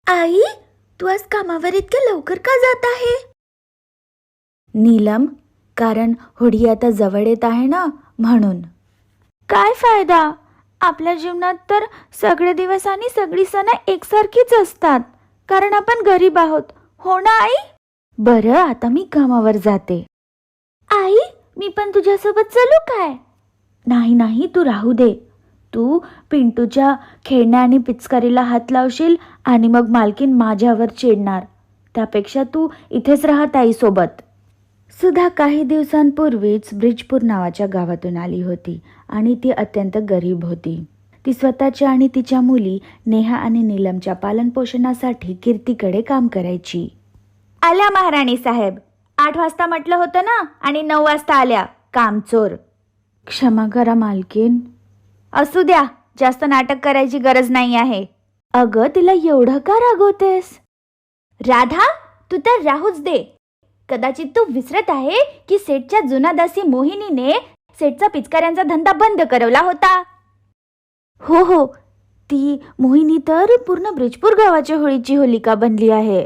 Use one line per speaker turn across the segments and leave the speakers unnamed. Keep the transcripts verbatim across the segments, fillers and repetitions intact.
आई, तू आज कामावर इतक्या लवकर का जात आहे? नीलम, कारण होडी आता जवळ येत आहे ना, म्हणून. काय फायदा? आपल्या जीवनात तर सगळे दिवस आणि सगळी सण एकसारखीच असतात, कारण आपण गरीब आहोत, हो ना आई? बरं, आता मी कामावर जाते. आई, मी पण तुझ्यासोबत चलू काय? नाही नाही, तू राहू दे. तू पिंटूच्या खेळण्या आणि पिचकारीला हात लावशील आणि मग मालकीन माझ्यावर चिडणार. त्यापेक्षा तू इथेच राहत आईसोबत. सुधा काही दिवसांपूर्वीच ब्रिजपूर नावाच्या गावातून आली होती आणि ती अत्यंत गरीब होती. ती स्वतःच्या आणि तिच्या मुली नेहा आणि नीलमच्या पालनपोषणासाठी कीर्तीकडे काम करायची. आल्या महाराणी साहेब. आठ वाजता म्हटलं होतं ना, आणि नऊ वाजता आल्या, कामचोर. क्षमा करा मालकीन. असू द्या, जास्त नाटक करायची गरज नाही आहे. अगं, तिला एवढं का रागवतेस? राधा, तू तर राहूच दे. कदाचित तू विसरत आहे की सेठच्या जुना दासी मोहिनीने सेठचा पिचकाऱ्यांचा धंदा बंद करवला होता. हो हो, ती मोहिनी तर पूर्ण ब्रिजपूर गावाच्या होळीची होलिका बनली आहे.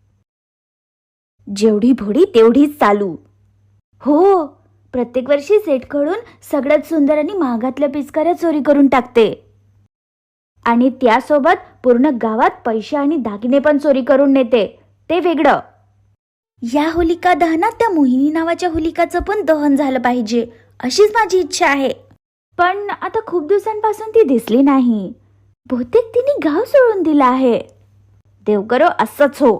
जेवढी भोडी तेवढीच चालू. हो, प्रत्येक वर्षी सेठकडून सगळ्यात सुंदर आणि महागातल्या पिचकाऱ्या चोरी करून टाकते, आणि त्यासोबत पूर्ण गावात पैसे आणि दागिने पण चोरी करून नेते. ते वेगळं. या होलिका दहनात त्या मोहिनी नावाच्या होलिकाचं पण दहन झालं पाहिजे, अशीच माझी इच्छा आहे. पण आता खूप दिवसांपासून ती दिसली नाही. बहुतेक तिने गाव सोडून दिला आहे. देव करो असंच हो.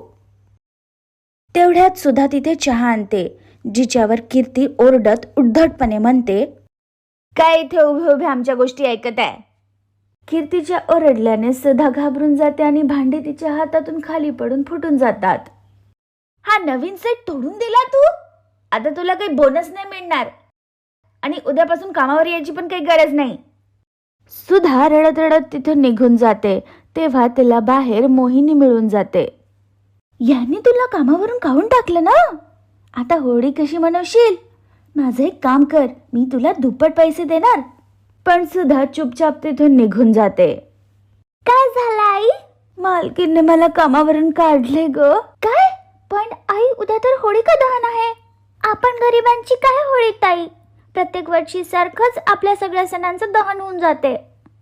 तेवढ्यात सुद्धा तिथे चहा आणते, जिच्यावर कीर्ती ओरडत उद्धटपणे म्हणते, काय इथे उभे उभे आमच्या गोष्टी ऐकत आहे? कीर्तीच्या ओरडल्याने सुधा घाबरून जाते आणि भांडे तिच्या हातातून खाली पडून फुटून जातात. हा नवीन सेट तोडून दिला तू? आता तुला काही बोनस नाही मिळणार आणि उद्यापासून कामावर यायची पण काही गरज नाही. सुधा रडत रडत तिथून निघून जाते. तेव्हा तिला बाहेर मोहिनी मिळून जाते. यांनी तुला कामावरून काढून टाकलं ना? आता होळी कशी मनवशील? माझं एक काम कर, मी तुला दुप्पट पैसे देणार. पण सुधा चुपचाप तिथून निघून जाते. काय झालं आई? मालकीने मला कामावरून काढले ग. काय? पण आई, उद्या तर होळिका दहन आहे. आपण गरिबांची काय होळी ताई? प्रत्येक वर्षी सारखंच आपल्या सगळ्या सणांचं दहन होऊन जाते.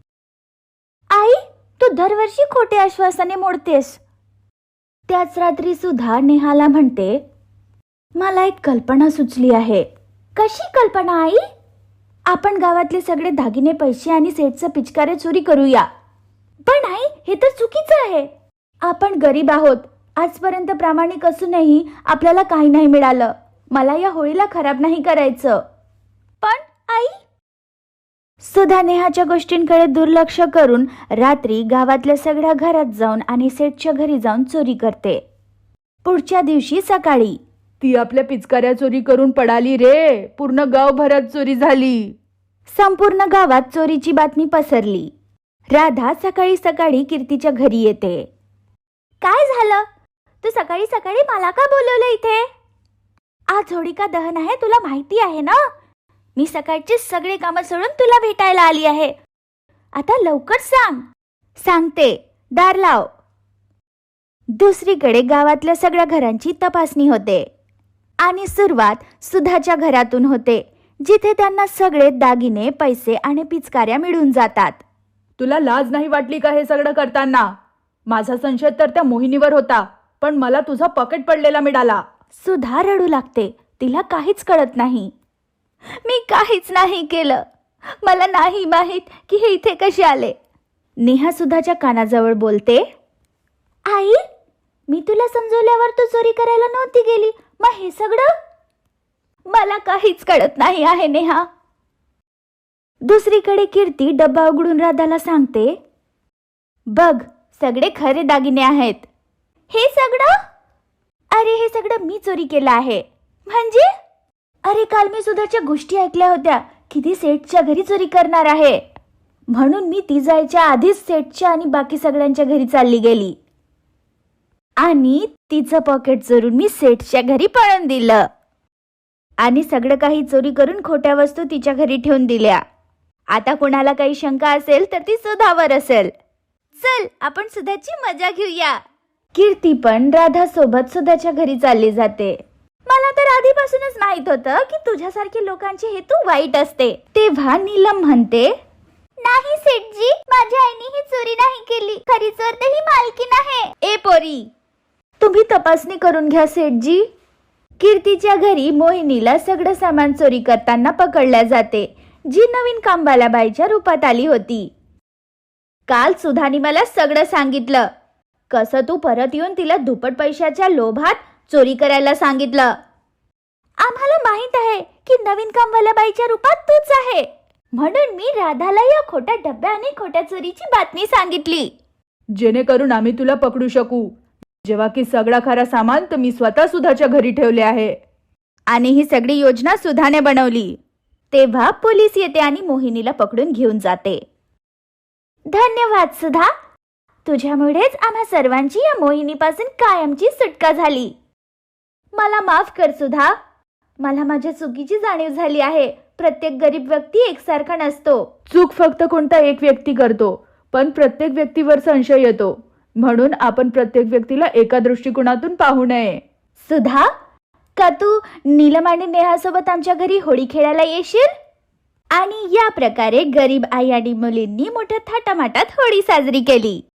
आई, तू दरवर्षी खोटे आश्वासने मोडतेस. त्याच रात्री सुधा नेहाला म्हणते, मला एक कल्पना सुचली आहे. कशी कल्पना आई? आपण गावातले सगळे दागिने, पैसे आणि सेठचं पिचकारे चोरी करूया. पण आई, हे तर चुकीचं आहे. आपण गरीब आहोत. आजपर्यंत प्रामाणिक असूनही आपल्याला काही नाही मिळालं. मला या होळीला खराब नाही करायचं. पण आई? सुधा नेहाच्या गोष्टींकडे दुर्लक्ष करून रात्री गावातल्या सगळ्या घरात जाऊन आणि सेठच्या घरी जाऊन चोरी करते. पुढच्या दिवशी सकाळी,
ती आपल्या पिचकाऱ्या चोरी करून पडाली रे. पूर्ण गावभरात चोरी झाली.
संपूर्ण गावात चोरीची बातमी पसरली. राधा सकाळी सकाळी कीर्तीच्या घरी येते. काय झालं? तू सकाळी सकाळी मला का बोलवलं इथे? आज होळिका दहन आहे, तुला माहिती आहे ना? मी सकाळची सगळी कामं सोडून तुला भेटायला आली आहे. आता लवकर सांग. सांगते, दार लाव. दुसरीकडे गावातल्या सगळ्या घरांची तपासणी होते आणि सुरुवात सुधाच्या घरातून होते, जिथे त्यांना सगळे दागिने, पैसे आणि पिचकाऱ्या मिळून जातात.
तुला लाज नाही वाटली का हे सगळं करताना? माझा संशय तर त्या मोहिनीवर होता, पण मला तुझा पॉकेट पडलेला मिळाला.
सुधा रडू लागते. तिला काहीच कळत नाही. मी काहीच नाही केलं. मला नाही माहित की हे इथे कसे आले. नेहा सुधाच्या कानाजवळ बोलते, आई, मी तुला समजवल्यावर तू चोरी करायला नव्हती गेली, मग हे सगळं? मला काहीच कळत नाही आहे नेहा. दुसरीकडे कीर्ती डब्बा उघडून राधाला सांगते, बघ, सगळे खरे दागिने आहेत. हे सगळं? अरे, हे सगळं मी चोरी केलं आहे. म्हणजे? अरे, काल मी सुधाच्या गोष्टी ऐकल्या होत्या की ती सेठच्या घरी चोरी करणार आहे. म्हणून मी ती जायच्या आधीच सेठच्या आणि बाकी सगळ्यांच्या घरी चालली गेली आणि तिचं पॉकेट चोरून मी सेठच्या घरी पळून दिलं आणि सगळं काही चोरी करून खोट्या वस्तू तिच्या घरी ठेवून दिल्या. आता कोणाला काही शंका असेल तर ती सुधावर असेल. चल, आपण सुधाची मजा घेऊया. कीर्ती पण राधा सोबत सुधाच्या घरी चालली जाते. मला तर आधीपासूनच माहित होतं की तुझ्यासारखे लोकांचे हेतू वाईट असते. तेव्हा नीलम म्हणते, नाही सेठजी, माझ्या आईने ही चोरी नाही केली. खरी चोर तर ही मालकीण आहे. ए पोरी, तुम्ही तपासणी करून घ्या सेठजी. कीर्तीच्या घरी मोहिनीला सगळं सामान चोरी करताना पकडल्या जाते, जी नवीन कामवाल्या बाईच्या रूपात आली होती. काल सुधानी मला सगळं सांगितलं. कसं तू परत येऊन तिला दुप्पट पैशाच्या लोभात चोरी करायला सांगितलं. आम्हाला माहित आहे की नवीन कामवाल्या बाईच्या रूपात तूच आहे, म्हणून मी राधाला या खोट्या डब्या आणि खोट्या चोरीची बातमी सांगितली.
जेणेकरून आम्ही तुला पकडू शकू, जेव्हा की सगळा खरा सामान तर मी स्वतः सुधाच्या घरी ठेवले आहे.
आणि ही सगळी योजना सुधाने बनवली. तेव्हा पोलीस येते आणि मोहिनीला पकडून घेऊन जाते. धन्यवाद सुधा, तुझ्यामुळेच आम्हा सर्वांची या मोहिनीपासून कायमची सुटका झाली. मला माफ कर सुधा, मला माझ्या चुकीची जाणीव झाली आहे. प्रत्येक गरीब व्यक्ती एकसारखा नसतो.
चूक फक्त कोणता एक व्यक्ती करतो, पण प्रत्येक व्यक्तीवर संशय येतो. म्हणून आपण प्रत्येक व्यक्तीला एका दृष्टिकोनातून पाहू नये.
सुधा, का तू नीलम आणि नेहासोबत आमच्या घरी होळी खेळायला येशील? आणि या प्रकारे गरीब आई आणि मुलींनी मोठ्या थाटामाटात होळी साजरी केली.